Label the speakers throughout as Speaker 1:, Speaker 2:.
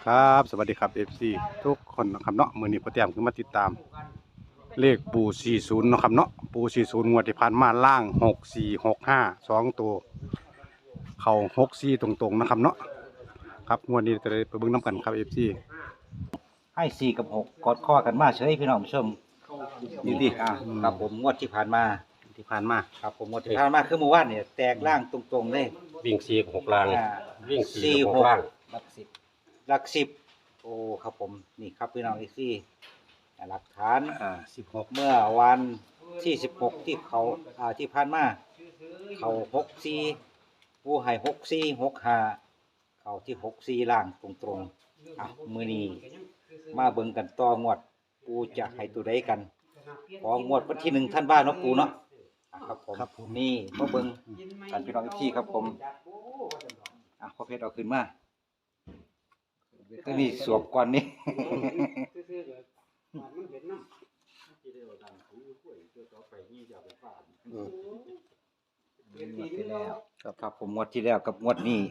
Speaker 1: ครับสวัสดีครับ FC ทุกคนนะครับเนาะมื้อนี้พ่อแต้มขึ้นมาติดตามเลขปู่40เนาะครับเนาะปู่40งวดที่ผ่านมาล่าง6465 2ตัวเข้า64ตรงๆนะครับเนาะครับงวดนี้จะได้ไปเบิ่งนํกันครับ FC
Speaker 2: ให้4 กับ 6กอดข้อกันมาเฉยพี่น้องผู้ชมนี่ดิครับผมงวดที่ผ่านมาครับผมงวดที่ผ่านมาคือเมื่อวานเนี่ยแตกล่างตรงๆเลย
Speaker 3: วิ่ง4กับ6ล่าง
Speaker 2: อ่า
Speaker 3: วิ่ง4
Speaker 2: สี่
Speaker 3: กับ
Speaker 2: หก
Speaker 3: 6ล่าง
Speaker 2: หลักสิบโอ้ครับผมนี่ครับพี่น้องอีกที่หลักฐาน
Speaker 1: 16
Speaker 2: เมื่อวันที่16ที่เขาที่ผ่านมาเขา64ผู้ให้6465เขาที่64ล่างตรงๆมื้อนี้มาเบิ่งกันต่องวดปูจะให้ตัวใดกันของงวดวันที่1ธันวาคมเนาะปูเนาะครับผมนี่มาเบิ่งกันพี่น้องอีกที่ครับผมพ่อเพชรเอาขึ้นมาตัวนี้สวมก่อนนี่ งวดที่แล้วครับผมงวดที่แล้วกับงวดนี้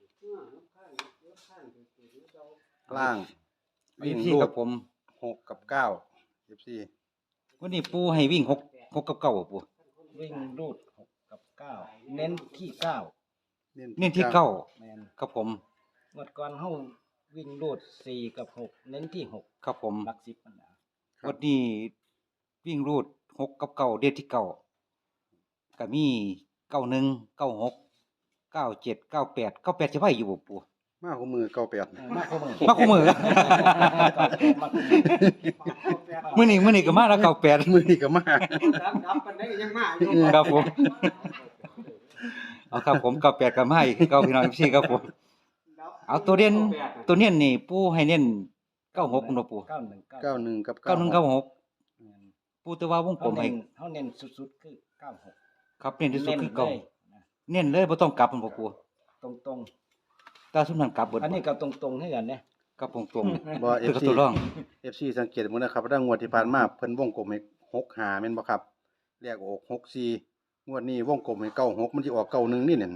Speaker 1: ล่างวิ่ง
Speaker 2: ที่
Speaker 1: รู
Speaker 2: กั
Speaker 1: ด
Speaker 2: บผม
Speaker 1: 6กับ9 FC
Speaker 2: งวันนี้ปูให้วิ่งหกกับเก้าปูวิ่งรูด6 กับ 9เน้นที่9เน้นที่เก้าแม่นครับผมงวดก่อนเฮาวิ่งรูด4 กับ 6เน้นที่6ครับผมหลัก10มันนะงวดนี้วิ่งรูด6 กับ 9เด่นที่9ก็มี91 96 97 98สิไว้อยู่บ่ปู
Speaker 1: มาของมือ98
Speaker 2: มาคู่มือมื้อนี้ก็มาแล้ว98
Speaker 1: มือนี่ก็มา
Speaker 2: ครับผมเอาครับผม98ก็มาอีกเก่าพี่น้องพี่ครับผมเอาตัวเน้นนี่ปู่ให้เน้น96คุณบ่ปู่
Speaker 1: 91กับ
Speaker 2: 91 96ปู่แต่ว่าวงกลมให้
Speaker 4: เฮาเน้นสุดๆคือ96
Speaker 2: ครับเน้นที่สุดคือเก่าเน้นเลยบ่ต้องกลับมันบ่ปู่
Speaker 4: ตรง
Speaker 2: ตาซุมนั้นกลับเบิด
Speaker 4: ๆอันนี้ก็ตรงๆให้กันเนี่ย
Speaker 2: กลับตรง
Speaker 1: บ่
Speaker 2: ๆคือ
Speaker 1: FC
Speaker 2: ตัวรอง
Speaker 1: FC สังเกตมื้อนะครับว่างวดที่ผ่านมาเพิ่นวงกลมให้65แม่นบ่ครับแรกออก64งวดนี้วงกลมให้96มันสิออก91นี่นั่น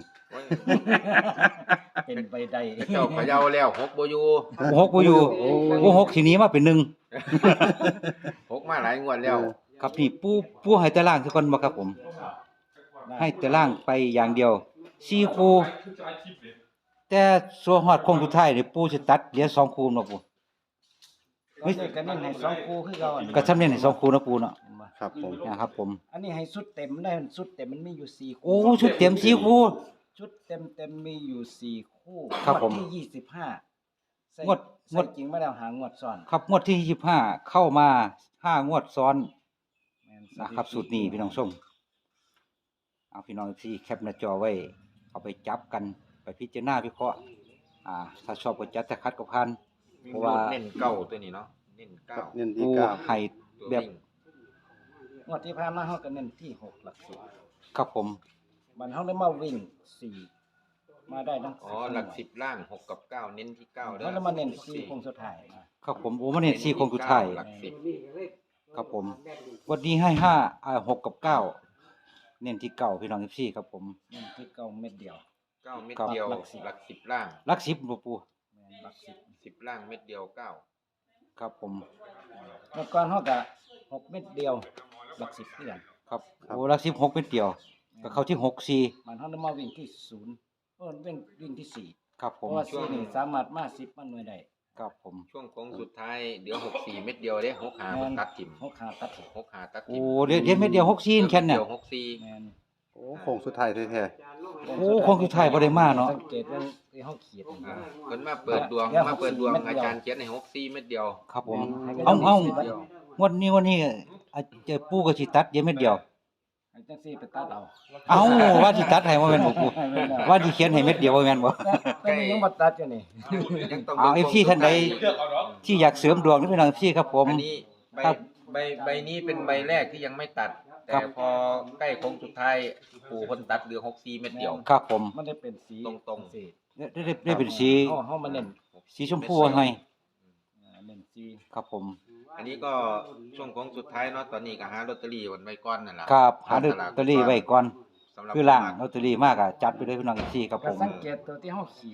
Speaker 4: เป็นไปได้
Speaker 3: เจ้าเขย่าแล้ว6บ่อยู่
Speaker 2: 6บ่อยู่6ทีนี้มาเป็น1
Speaker 3: 6มาหลายงวดแล้ว
Speaker 2: ครับนี่ปู่ให้แต่ล่างซะก่อนบ่ครับผม ให้แต่ล่างไปอย่างเดียว4คู่แต่ส่วนฮอดคงสุดท้ายนี่ปู่สิตัดเหลือ2คู่เนาะปู่
Speaker 4: เฮ้ยก็เน้นให้2คู่คือเก่าอันนี้
Speaker 2: ก็ซ้ำเน้นให้2คู่เนาะปู่เนาะ
Speaker 1: ครับผม
Speaker 2: นะครับผม
Speaker 4: อันนี้ให้สุดเต็มได้สุดเต็มมันมีอยู่4
Speaker 2: โอ้
Speaker 4: คู่
Speaker 2: ชุดเต็ม4คู่
Speaker 4: ชุดเต็มมีอยู่4คู่
Speaker 2: ครับผม
Speaker 4: งวดที่25ใส่
Speaker 2: งวด
Speaker 4: ใส่จริงมาแล้วหางวดซ้อน
Speaker 2: ครับงวดที่25เข้ามา5งวดซ้อน
Speaker 4: แม่น
Speaker 2: นะครับสูตรนี้พี่น้องชมเอาพี่น้องที่แคปหน้าจอไว้เอาไปจับกันไปพิจารณาวิเคราะห์ถ้าชอบก็จัดถ้าคัดก็ผ่านเพราะว่า
Speaker 3: เน้นเก้าตัวนี้เนาะเน้นเก้า
Speaker 1: เน้นที่
Speaker 2: ผู้
Speaker 1: 9
Speaker 2: ให้
Speaker 3: ตัว
Speaker 2: แบบ
Speaker 3: วิ่ง
Speaker 4: งวดที่ผ่านมาเฮาก็เน้นที่6หลัก10
Speaker 2: ครับผม
Speaker 4: มันเฮาได้มาวิ่ง4มาได้ทั้ง
Speaker 3: อ๋อหลัก10ล่าง6กับ9เน้นที่9เด้อ
Speaker 4: เฮาได้มาเน้น4คงสุดท้ายนะครับ
Speaker 2: ผมโอ้มันเห็น4คนสุดท้าย
Speaker 3: หลัก10
Speaker 2: ครับผมวันนี้ให้6กับ9เน้นที่9พี่น้อง14ครับผม
Speaker 4: เน้นที่9เม็ดเดียว
Speaker 3: 9เม็ดเดียวหลัก10ล่าง
Speaker 2: หลัก10บ่ปู่
Speaker 4: แม่นหลัก10
Speaker 3: 10ล่างเม็ดเดียว9
Speaker 2: ครับผม
Speaker 4: เมื่อก่อนเฮาก็6เม็ดเดียวหลัก10คือกัน
Speaker 2: ครับโอ้หลัก16เป็นเดียวก็เข้าที่6
Speaker 4: มันเฮาได้มาวิ่งที่0วิ่งที่4
Speaker 2: 4ครับ
Speaker 4: เพ
Speaker 2: ผม
Speaker 4: ราะว่า4นี่สามารถมา10มันหน่วยได้
Speaker 2: ครับผม
Speaker 3: ช่วงโค้งสุดท้ายเดี๋ยว64เม็ดเดียวเด้6หามันตัดทิ่ม
Speaker 4: 6ขาตัดถิ่ม
Speaker 3: 6หาตัด
Speaker 2: โอ้
Speaker 3: ทิ่ม
Speaker 2: เดี๋ยวเม็ดเดียว6 4แค่นั้นเนี่ย
Speaker 3: เดียว64
Speaker 4: แม่น
Speaker 1: โอ้โค้งสุดท้ายแท้
Speaker 2: โอ้คงสุดท้ายบ่ได้มาเนาะ
Speaker 4: สังเกตว่าที่เฮาขีด
Speaker 3: เพิ่นมาเปิดดวงอาจารย์เขียนให้64เม็ดเดียว
Speaker 2: ครับผม
Speaker 4: ให้
Speaker 2: เอา
Speaker 3: เดียว
Speaker 2: วันนี้เจอปู่ก็สิตัดเดี๋ยวเม็ดเดียว
Speaker 4: ให้จังซี่ไปตัดเอา
Speaker 2: เอาว่าสิตัดให้บ่แม่นบ่ปู่ว่าสิเขียนให้เม็ดเดียวบ่แม่นบ่
Speaker 4: แต่นี่ยังบ่ตัดอยู่นี่
Speaker 3: ยังต้อง
Speaker 2: เอา FC ท่านใดที่อยากเสริมดวงนี่พี่น้อง FC ครับผม
Speaker 3: อันนี้ใบ
Speaker 2: ครับ
Speaker 3: ใบนี้เป็นใบแรกที่ยังไม่ตัด
Speaker 2: ครั
Speaker 3: แต่
Speaker 2: บ
Speaker 3: พอใกล้โค้งสุดท้ายปู่คนตัดเหลือ64เม็ดเดียว
Speaker 2: ครับผม
Speaker 4: มันได้เป็นสี
Speaker 3: ตรงๆ
Speaker 4: สี
Speaker 2: ได้เป็นสี
Speaker 4: เฮามาเน้น
Speaker 2: สีชมพูให้
Speaker 4: เน้นสี
Speaker 2: ครับผม
Speaker 3: อันนี้ก็ช่วงโค้งสุดท้ายเนาะตอนนี้ก็หาลอตเตอรี่วันไว้ก่อนนั่นแหละ
Speaker 2: ครับหาลอตเตอรี่ไว้ก่อน
Speaker 3: สำหรับ
Speaker 2: คือล่างลอตเตอรี่มากอ่ะจัดไปเลยพี่น้อง FC ครับ
Speaker 4: ก็
Speaker 2: ผม
Speaker 4: สังเกตตัวที่เฮาขีด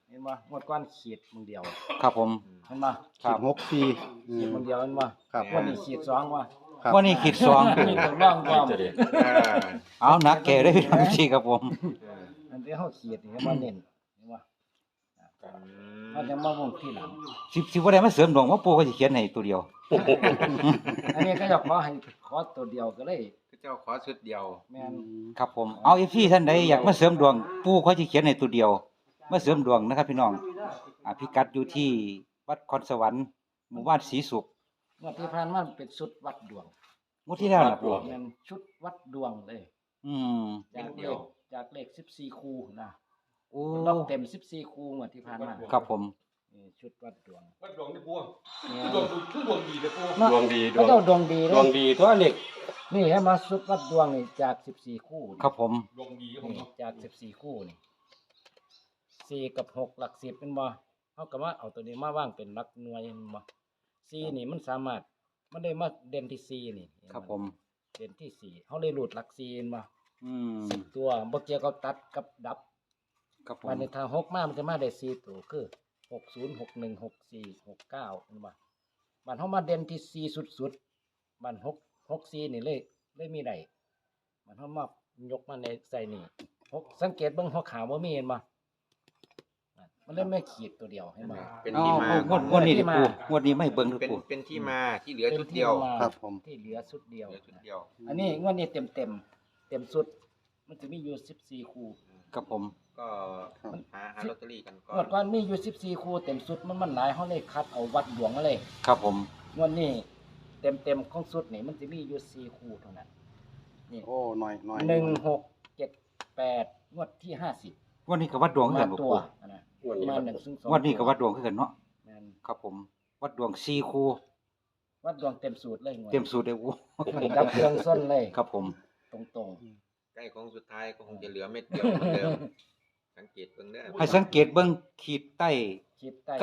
Speaker 4: เห็นบ่งวดก้อนขีดมึงเดียว
Speaker 2: ครับผม
Speaker 4: เห็นบ่
Speaker 2: ครับ
Speaker 1: 6 4
Speaker 4: ขีดมึงเดียวเห็นบ่
Speaker 1: ครับ
Speaker 4: วันนี้ขีดสองว่ะ
Speaker 1: ครับ
Speaker 2: วันนี้ขีดสอง
Speaker 4: นี่ต้องร่องความ
Speaker 2: เอานักแก่ได้พี่น้องพี่ครับผม
Speaker 4: อันที่เฮาขีดนี่ก็มาเน้นเห็นบ่เฮาจะมาวงที่หลัง
Speaker 2: สิบ่ได้มาเสริมดวงว่าปู่ก็สิเขียนให้ตัวเดียว
Speaker 4: อันนี้ก็จะขอตัวเดียวก็เลย
Speaker 3: เจ้าขอชุดเดียว
Speaker 4: แม่น
Speaker 2: ครับผมเอา FC ท่านใดอยากมาเสริมดวงปู่เขาสิเขียนให้ตัวเดียวมาเสริมดวงนะครับพี่น้องพิกัดอยู่ที่วัดคอนสวรรค์หมู่บ้านศรีสุข
Speaker 4: งวดที่ผ่านมาเป็นชุดวัดดวง
Speaker 2: งวดที่แล้วนะปู่
Speaker 4: แม่นชุดวัดดวงเลย
Speaker 2: อืม
Speaker 4: จากเลข14คู่นะ
Speaker 2: โอ้
Speaker 4: รอบเต็ม14คู่งวดที่ผ่านมา
Speaker 2: ครับผม
Speaker 4: นี่ชุดวัดดวง
Speaker 5: วัดดวงนี่ปู
Speaker 4: เนี่ย
Speaker 5: ดวงดีเลยปู
Speaker 4: เนาะ
Speaker 5: ดวงดี
Speaker 4: เขาเจ้าดวงดีเล
Speaker 5: ดวย งดีตัวเล็ก
Speaker 4: นี่ให้มาชุดวัดดวงนี่จาก14คู่นี่
Speaker 2: ครับผม
Speaker 5: ดวงดีครับผม
Speaker 4: นี่จาก14คู่นี่4กับ6หลัก10เป็นบ่เฮาก็มาเอาตัวนี้มาว่างเป็นหลักหน่วยแม่นบ่4นี่มันสามารถมันได้มาเด่นที่4นี่
Speaker 2: ครับผม
Speaker 4: เด่นที่4เฮาเลยรูดหลัก4เห็นบ่
Speaker 2: อืม
Speaker 4: 10ตัวบ่เกี่ยวกับตัดกับดับ
Speaker 2: ครับผม
Speaker 4: วันนี้ถ้า6มามันจะมาได้4ตัวคือ60 61 64 69เห็นบ่บัดเฮามาเด่นที่4สุดๆบัด64นี่เลยมีได้บัดเฮามายกมาในใส่นี่สังเกตเบิ่งหัวขาวบ่มีเห็นบ่มันเลยไม่ขีดตัวเดียวเห็นบ่
Speaker 3: เป็น
Speaker 2: เอา
Speaker 3: ที่มา
Speaker 2: งวดนี้ดิปู่งวดนี้ไม่เบิ่งคือ
Speaker 3: เป็น
Speaker 2: ปู่
Speaker 3: เป็นที่มาที่เหลือชุดเดียว
Speaker 1: ครับผม
Speaker 4: ที่เหลือชุดเดียว
Speaker 3: เหลือชุดเดียว
Speaker 4: อันนี้งวดนี้เต็มสุด มันจะมีอยู่14คู่
Speaker 2: ครับผม
Speaker 3: ก็หาลอตเตอรี่กันก่อง
Speaker 4: วด
Speaker 3: น
Speaker 4: ก่อนมีอยู่14คู่เต็มสุดมันหลายเฮาเลยคัดเอาวัดดวงมาเลย
Speaker 2: ครับผม
Speaker 4: งวดนี้เต็มของสุดนี่มันจะมีอยู่4คู่เท่านั้นนี่
Speaker 1: โอ้หน่อย
Speaker 4: 1 6 7 8งวดที่50
Speaker 2: งวดนี้ก็วัดดวงคือ
Speaker 4: มา
Speaker 2: กันบ่
Speaker 4: ตัว
Speaker 2: ปู่
Speaker 4: อันนะ
Speaker 5: งวดนี้
Speaker 4: มา
Speaker 5: ครับ
Speaker 4: 1 2
Speaker 2: งวดนี้ก็วัดดวงคือกันเนาะ
Speaker 4: แม่น
Speaker 2: ครับผม วัดดวง4คู่
Speaker 4: วัดดวงเต็มสูตรเลยงวด
Speaker 2: เต็มสูตรเลยปู่
Speaker 4: ดับเครื่องส้นเลย
Speaker 2: ครับผม
Speaker 4: ตรง
Speaker 3: ใกล้ของสุดท้ายก็คงจะเหลือเม็ดเดียวเหมือนเดิมสังเกตเบิ่งเด้อ
Speaker 2: ให้สังเกตเบิ่งขีดใต้
Speaker 4: ๆคิดใต้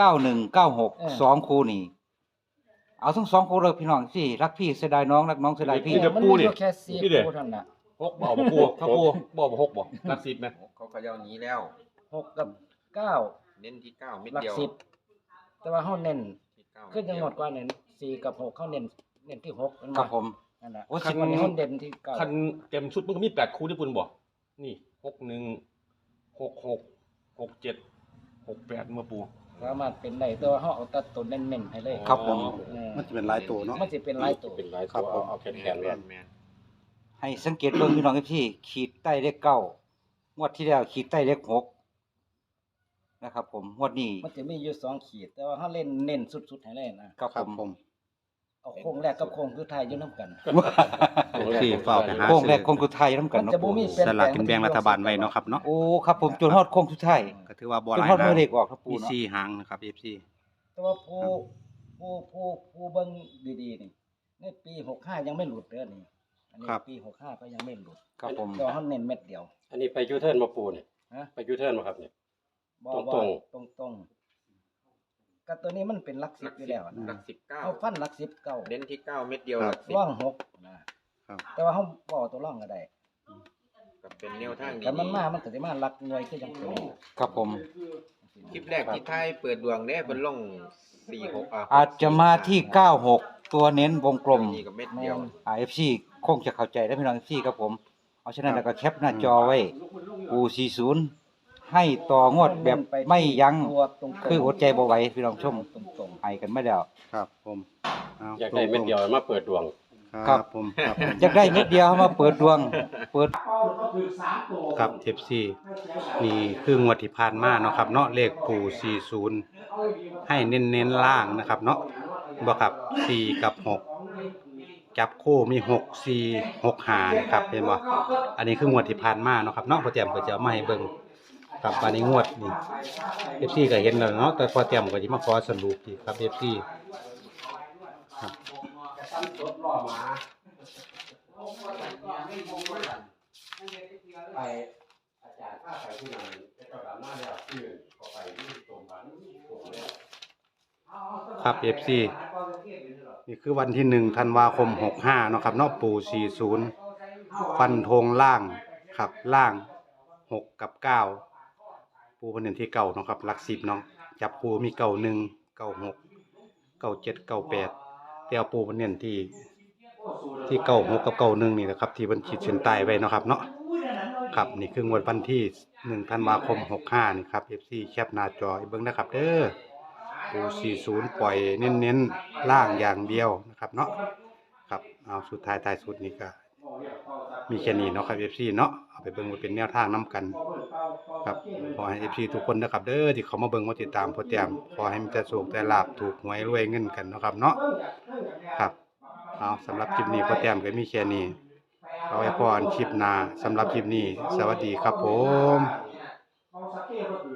Speaker 2: 9196 2คู่นี่เอาทั้ง2คู่เลยพี่น้องสิรักพี่เสียดายน้องรักน้องเสียดายพี่
Speaker 5: นี่เดี๋ยว
Speaker 4: มัน
Speaker 5: ปู
Speaker 4: มี
Speaker 5: นี่
Speaker 4: อยู่แค่4
Speaker 5: นี่เดี๋ยว
Speaker 4: คู่เท่านั้นน่ะ
Speaker 5: หกบ่บ่ปูครับปูบ่บ่หกบ่รักสิบไหม
Speaker 3: เขาก็ยาวหนี้แล้ว
Speaker 4: 6กับ9
Speaker 3: เน้นที่9เม็ด
Speaker 4: หลัก
Speaker 3: เดียว
Speaker 4: 10แต่ว่าเฮาเน้น
Speaker 3: ที่9
Speaker 4: ขึ้นจังหวัดกว่าเน้น4กับ6เฮาเน้นที่6มัน
Speaker 2: ครับผม
Speaker 4: นั่นน่ะ
Speaker 2: โอ้
Speaker 4: คันวันนี้เฮาเด่นที่9
Speaker 5: คันเต็มชุดมันก็มี8คู่ที่ปูนบ่นี่61 66 67 68มาปู
Speaker 4: สามารถเป็นได้แต่ว่าเฮาเอาแต่ตัวเน้นๆให้เลย
Speaker 2: ครับผม
Speaker 4: เออ
Speaker 1: มันจะเป็นหลายตัวเนาะ
Speaker 4: มันสิเป็นหลายตัว
Speaker 5: เป็นหลาย
Speaker 1: ครั
Speaker 5: ตั
Speaker 1: บ
Speaker 5: ว
Speaker 1: ผม
Speaker 5: เอาแขน
Speaker 3: แม่น
Speaker 5: ๆเล
Speaker 3: แม่
Speaker 5: ย
Speaker 3: นแม่น
Speaker 2: ให้สังเกตเบิ่งพี่น้องพี่ขีดใต้เลข9งวดที่แล้วขีดใต้เลข6นะครับผมงวดนี้
Speaker 4: มันจะมีอยู่2ขีด แต่ว่าเฮาเล่นเน้นสุดๆให้เลยนะครับ
Speaker 1: ครับผม
Speaker 4: เอาโค้งแรกกับโค้งสุดท้ายอยู่นํกัน
Speaker 1: ที่เฝ้าไปหา
Speaker 2: โค้งแร
Speaker 1: ซื้
Speaker 2: ก
Speaker 1: อ
Speaker 2: โค้งสุดท้ายนำกัน
Speaker 4: มัน
Speaker 2: เนาะ
Speaker 4: จะบ่
Speaker 2: ปู่
Speaker 4: มี
Speaker 1: สลากกินแบ่งรัฐบาลไว้เนาะครับเนาะ
Speaker 2: โอ้ครับผมจนฮอดโค้งสุดท้าย
Speaker 1: ก็ถือว่าบ่
Speaker 2: จ
Speaker 1: ห
Speaker 2: น
Speaker 1: ลาย
Speaker 2: ฮอด
Speaker 1: นะ
Speaker 2: มือเลขออกครับ
Speaker 1: มี
Speaker 2: ปู่เนาะ
Speaker 1: 4หางนะครับ FC
Speaker 4: แต่ว่าผู้เบิ่งดีๆนี่ในปี65ยังไม่หลุดเด้อนี่อันนี้
Speaker 1: ครับ
Speaker 4: ปี65ก็ยังไม่หลุด
Speaker 2: ครับผม
Speaker 4: แต่ว่าเฮาเน้นเม็ดเดียว
Speaker 5: อันนี้ไปยูเทิร์นมาปูนี่
Speaker 4: ฮะ
Speaker 5: ไปยูเทิร์นมาครับนี่
Speaker 4: บ่
Speaker 5: ตรง
Speaker 4: ตรงๆก็ตัวนี้มันเป็นหลัก
Speaker 3: หลัก
Speaker 4: 10อยู่
Speaker 3: 10
Speaker 4: แล้ว
Speaker 3: หลั
Speaker 4: นะ
Speaker 3: ก
Speaker 4: เอาฟันหลัก10เก่า
Speaker 3: 19เน้นที่9เม็ดเดียว
Speaker 1: ค
Speaker 3: ห
Speaker 1: รั
Speaker 3: ลั
Speaker 1: บ
Speaker 3: ก10
Speaker 4: ร่อง6นะครับ แต่ว่าเฮาบ่เอาตัวร่องก็ได้
Speaker 3: ก็เป็นแนวทางดี
Speaker 4: แต่มันมามันก็สิมาหลักหน่วยคือจังตัวนี้
Speaker 2: ครับผม
Speaker 3: คลิปแรกที่ไทยเปิดดวงเด้เพิ่นลง46
Speaker 2: อาจจะมาที่96ตัวเน้นวงกลม
Speaker 3: นี่ก็เม็ดเดียว
Speaker 2: FC คงจะเข้าใจแล้วพี่น้อง FC ครับผมเอาฉะนั้นแล้วก็แคปหน้าจอไว้ปู40ให้ต่องวดแบบไม่ยั้ง
Speaker 4: ตัวตรงๆ
Speaker 2: คืออดใจบ่ไหวพี่น้องชม
Speaker 4: ตรง
Speaker 2: ให้กันไม่แล้ว
Speaker 1: ครับผมเ
Speaker 5: อยากได้เม็ดเดียวมาเปิดดวง
Speaker 1: ครับผมครับ
Speaker 2: อยากได้เม็ดเดียวมาเปิดดวง เปิด
Speaker 1: ครับ FC นี่คืองวดที่ผ่านมาเนาะครับเนาะเลขปู่40ให้เน้นๆล่างนะครับเนาะบ่ครับ4กับ6จับคู่มี6 4 6 5นะครับเห็นบ่อันนี้คืองวดที่ผ่านมาเนาะครับเนาะพอเตรียมก็จะเอามาให้เบิ่งครับอันนี้งวดนี่ FC ก็เห็นแล้วเนาะแต่พอเตรียมก็สิมาขอสรุปอีกครับ FC ครับ
Speaker 5: ไปอาจารย์ข้าไปที่ไหนเจ้าดำหน้าแล้วชื่อก็ไปที่ตรงบ้านตรงแล้ว
Speaker 1: ครับ FC นี่คือวันที่1ธันวาคม65เนาะครับเนาะปู่40ฟันธงล่างครับล่าง6กับ9ปู่ปูเพิ่นเน้นที่เก้าเนาะครับหลัก10เนาะจับปูมีเก้าหนึ่งเก้าหกเก้าเจ็ดเก้าแปดแต่เอาปูเพิ่นเน้นที่เก้าหกกับเก้าหนึ่งนี่แหละครับที่เพิ่นขีดเส้นใต้ไว้เนาะครับเนาะครับนี่คืองวดวันที่1ธันวาคม65นี่ครับ FC แคปหน้าจอเบิ่งนะครับเด้อปู40ปล่อยเน้นๆล่างอย่างเดียวนะครับเนาะครับเอาสุดท้ายท้ายสุดนี่ก็มีแค่นี้เนาะครับ FC เนาะเอาไปเบิ่งไว้เป็นแนวทางนํกันครับขอให้ FC ทุกคนนะครับเด้อที่เขามาเบิ่งมาติดตามโปรแกรมขอให้มีแต่โชคแต่ลาภถูกหวยรวยเงินกันเนาะครับเนาะครับเอาสำหรับคลิปนี้โปรแกรมก็มีแค่นี้เอาไว้พรคลิปหน้าสำหรับคลิปนี้สวัสดีครับผม